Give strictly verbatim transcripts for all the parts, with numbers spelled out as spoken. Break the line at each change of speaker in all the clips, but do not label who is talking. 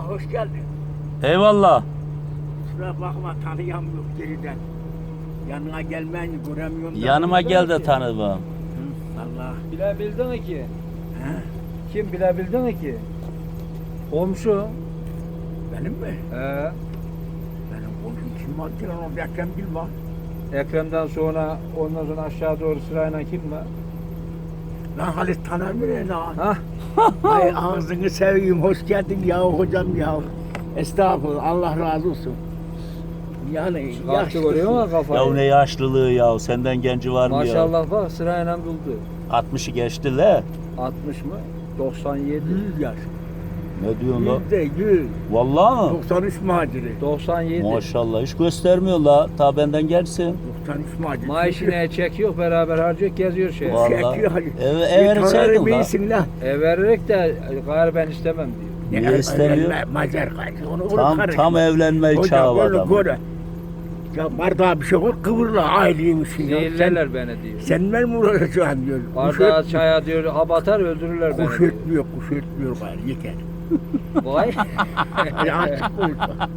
hoş geldin.
Eyvallah.
Kusura bakma tanıyan yok geriden. Yanına gelmeyince göremiyorum. da.
Yanıma gel de tanı bana.
Hı, Allah.
Bilebildin ki.
He?
Kim bilebildin ki? Komşu.
Benim mi?
He.
Benim komşum kim var ki lan orada Ekrem Bil var.
Ekrem'den sonra ondan sonra aşağı doğru sırayla kim var?
Lan Halit tanır mı ne lan?
Hah.
Ay ağzını seveyim hoş geldin ya hocam ya. Estağfurullah Allah razı olsun. Yani
Kalktı görüyor musun kafayı?
Ya ne yaşlılığı ya, senden genci var mı ya?
Maşallah bak sırayla buldu.
altmışı geçti le.
altmış mı? doksan yedi.
yüz yaş.
Ne diyorsun la?
Yüzde yüz.
Vallahi mı?
doksan üç maciri.
doksan yedi.
Maşallah hiç göstermiyor la. Ta benden gençsin.
doksan üç maciri.
Maaşını çekiyor beraber harcıyor geziyor şey.
Vallahi.
Çekiyor, hadi.
Eve,
Bir
eve
tanrım
verseydin la.
iyisin lan.
E veririk de gayrı ben istemem diyor.
Niye istemiyor?
Macar kaçı. Onu, onu
Tam
karıştır.
tam evlenmeyi
Hocam
çağı
öyle
adam.
göre. Ya bardağa bir şey koy kıvırla aileymişsin ya. Sen,
Zehirlerler beni diyor.
sen ben mi uğraşacaksın diyor. Kuş
Bardağı
öt-
çaya diyor abatar öldürürler beni
Kuş
diyor.
ötmüyor, kuş ötmüyor gayrı yeter.
Vay.
Ya açık konuşma.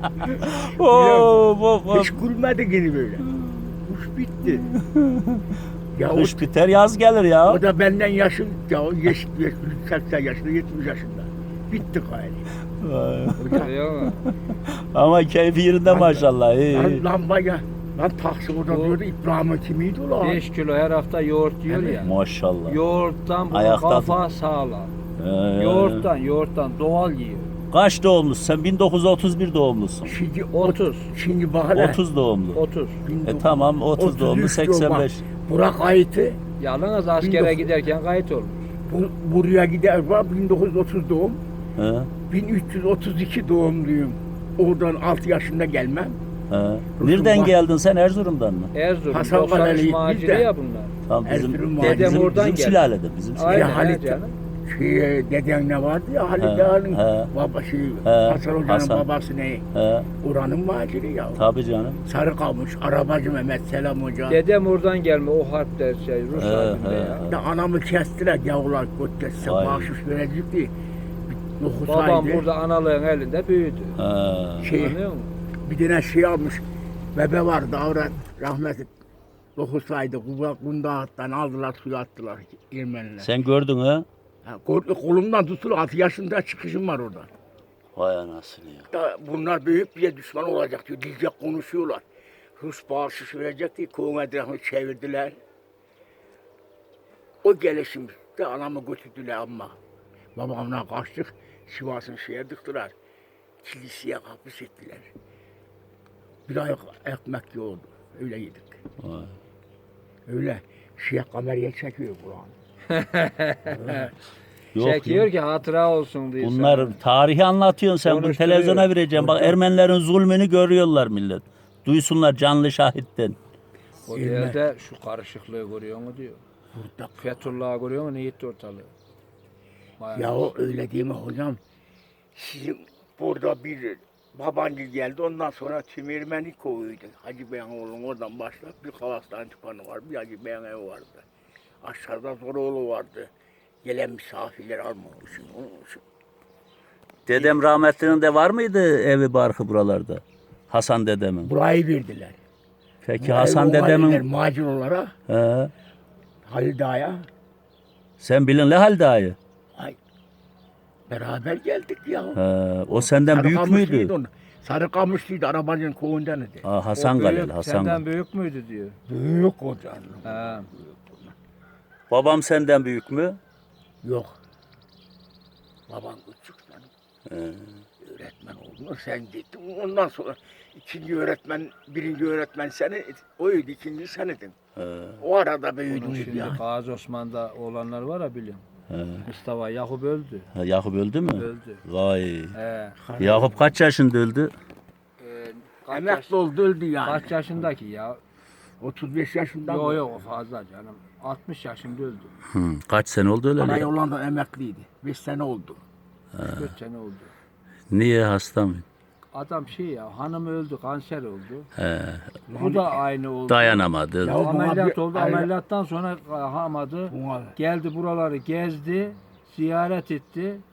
Oo, bu, bu.
Hiç gülmedi gibi böyle. Kuş bitti. Ya o,
Kış biter yaz gelir ya.
o da benden yaşlı, ya o yaş, yaş, seksen yaşında, yetmiş yaşında. Bitti gayrı. Hocam,
Görüyor musun?
Ama keyfi yerinde maşallah. iyi.
lan lamba ya. Lan taksi orada
Bu-
diyordu, İbrahim'in kimiydi ulan?
beş kilo her hafta yoğurt yiyor
Evet.
ya.
Maşallah.
Yoğurttan bu
Ayakta-
kafa sağlam.
Ee,
Yoğurttan, yoğurttan doğal yiyor.
Kaç doğumlusun? Sen bin dokuz yüz otuz bir doğumlusun.
Şimdi
otuz.
Şimdi bak hele.
otuz doğumlu.
otuz.
E tamam otuz doğumlu
otuz üç
seksen beş.
doğum. Burak Ayt'ı
Yalnız askere
bin dokuz-
giderken kayıt olmuş.
bu, buraya gider var bin dokuz yüz otuz doğum.
He,
bin üç yüz otuz iki doğumluyum. Oradan altı yaşında gelmem.
he.
Rus'un
Nereden
bak-
geldin sen Erzurum'dan mı?
Erzurum,
Hasan
doksan üç
Kaleli'yiz
maciri
biz de.
ya bunlar.
Tamam bizim,
Erzurum
de-
var.
bizim,
Dedem oradan
bizim
geldi.
sülalede bizim sülalede.
Aynen
Ya Halit-
ha canım.
Şey, deden ne vardı ya Halit
He,
Ağa'nın
he.
baba şey,
He,
Hasan Hoca'nın
Hasan.
babası ne?
He,
Oranın maciri ya.
tabii canım.
Sarıkamış, arabacı Mehmet Selam Hoca.
Dedem oradan gelme o harpler şey Rus
He,
harbinde
he,
ya.
he.
Da anamı kestiler yavrular götürse
Vay.
bahşiş verecekti. Dokuz
Babam
aydı.
burada analığın elinde büyüdü.
He.
Şey,
Anlıyor musun?
bir tane şey almış. Bebe vardı avrat rahmetli. Dokuz aydı. Kundahattan aldılar suya attılar Ermeniler.
Sen gördün ha?
Ha, kol- kolumdan tutulur altı yaşında çıkışım var orada.
Vay anasını ya.
Da bunlar büyük bize düşman olacak diyor. Dilce konuşuyorlar. Rus bahşiş verecek diye kovun etrafını çevirdiler. O gelişimde anamı götürdüler ama. Babamla kaçtık. Sivas'ın şeye dıktılar. Kiliseye hapis ettiler. Bir ay ekmek yiyordu. Öyle yedik.
Vay.
Öyle. Şeye kameraya çekiyor Kur'an.
Yok,
Çekiyor
yok.
ki hatıra olsun diye.
Bunlar
sana.
tarihi anlatıyorsun sen. Bunu
Konuşturuyor.
televizyona vereceğim. Bak
Hocam.
Ermenilerin zulmünü görüyorlar millet. Duysunlar canlı şahitten.
O
Ermeni-
yerde şu karışıklığı görüyor mu diyor.
Burada.
Fethullah'ı görüyor mu ne gitti ortalığı. Bayağı.
Ya o öyle değil mi hocam? Sizin burada bir babancı geldi ondan sonra tüm Ermeni kovuydu. Hacı Bey'in oğlum oradan başlayıp bir Kalastan çıpanı var, bir Hacı Bey'in evi vardı. Aşağıda Zoroğlu vardı. Gelen misafirler almamak için, onun için.
Dedem rahmetlinin de var mıydı evi barkı buralarda? Hasan dedemin.
Burayı verdiler.
Peki Hasan dedemin
Macir olarak
he,
Halil Dağ'a
sen bilin ne hal dayı?
ay, beraber geldik ya.
He, o senden büyük
Sarıkamışlıydı
müydü?
onu. Sarıkamışlıydı arabacının koğundan idi.
Aa,
O
Hasan
büyük,
Galil, Hasan
Senden
Galil.
büyük müydü diyor.
Büyük hocam.
Ha.
Babam senden büyük mü?
Yok. Baban küçük canım.
He.
Öğretmen oldun sen gittin. Ondan sonra ikinci öğretmen, birinci öğretmen seni, oydu ikinci senedin.
He.
O arada
Onun
büyüdünüz
şimdi
ya.
Gazi Osman'da olanlar var ya biliyorum.
He.
Mustafa Yakup öldü.
Ha, Yakup öldü mü?
Öldü.
Vay.
He.
Yakup kaç yaşında öldü?
Ee, kaç, yaş,
Emekli oldu öldü yani.
kaç yaşındaki ya?
otuz beş yaşında
Yok
mı?
yok o fazla canım. altmış yaşında öldü.
Hı. Kaç sene oldu öyle?
Bana
mi?
yollandı emekliydi. beş sene oldu.
dört sene oldu.
Niye hasta mı?
Adam şey ya hanım öldü kanser oldu.
He.
Bu da aynı oldu.
Dayanamadı.
Ya- buna
Ameliyat
bir-
oldu.
ayrı-
Ameliyattan sonra hamadı.
Buna
Geldi buraları gezdi. Ziyaret etti.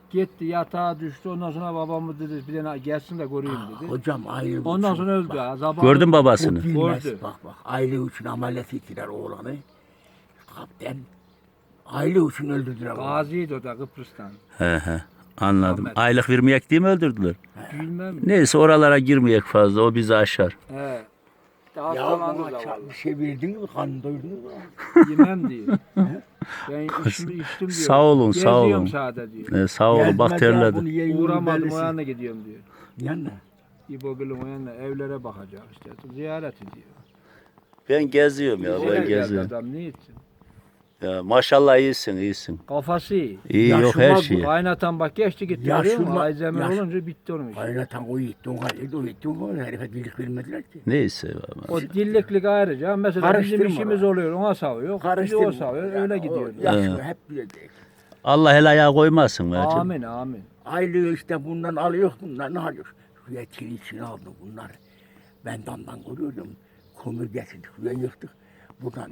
Gitti yatağa düştü. Ondan sonra babamı dedi bir tane gelsin de göreyim dedi.
Hocam aile
Ondan
için-
sonra öldü.
bak,
ha. Sabah
Gördün
bu
babasını.
bilmez.
Gördü.
Bak bak aile için ameliyat ettiler oğlanı. Kapten aile için öldürdüler oğlanı.
Gaziydi o da Kıbrıs'tan.
He he. Anladım.
Ahmet.
Aylık vermeyek diye mi öldürdüler?
Bilmem.
Neyse oralara girmeyek fazla. O bizi aşar.
He. İşte
Ya
hastalandı
bana
da
ça-
vallahi.
bir şey verdin mi? Kan doyurdun mu?
Yemem diyor. Ben içtim, içtim diyor.
Sağ olun, sağ olun.
Geziyorum sade diyor.
Ee, sağ olun bak
Gezmeden
terledi.
bunu yiyin,
Uğramadım
bellisi.
o yana gidiyorum diyor.
Yanına.
İbogül'ün o yanına evlere bakacak işte. Ziyaret ediyor.
Ben geziyorum ya
Oraya
ben
geldi
geziyorum.
adam ne etsin?
Ya, maşallah iyisin iyisin.
Kafası iyi.
İyi
Ya
yok
şu
her
bak-
şey.
Kaynatan bak geçti gitti
Ya
görüyor
şu
musun?
ma-
Ayzemin
ya şu-
olunca bitti onun işi.
Kaynatan o gitti, o gitti, o gitti, o gitti. Herife dillik vermediler ki.
Neyse.
O dilliklik ayrıca. Mesela bizim
Karıştırma
işimiz
lan.
oluyor ona savuyor. Bizi
Karıştırma.
o savuyor.
Yani
Öyle
o
gidiyor.
Yaşlı hep bilecek.
Allah el ayağı koymasın. be canım.
Amin amin.
Aile işte bundan alıyor, bundan ne alıyor? Şuraya kilisini aldı bunlar. Ben damdan görüyordum. Kömür getirdik, şuraya yıktık. Buradan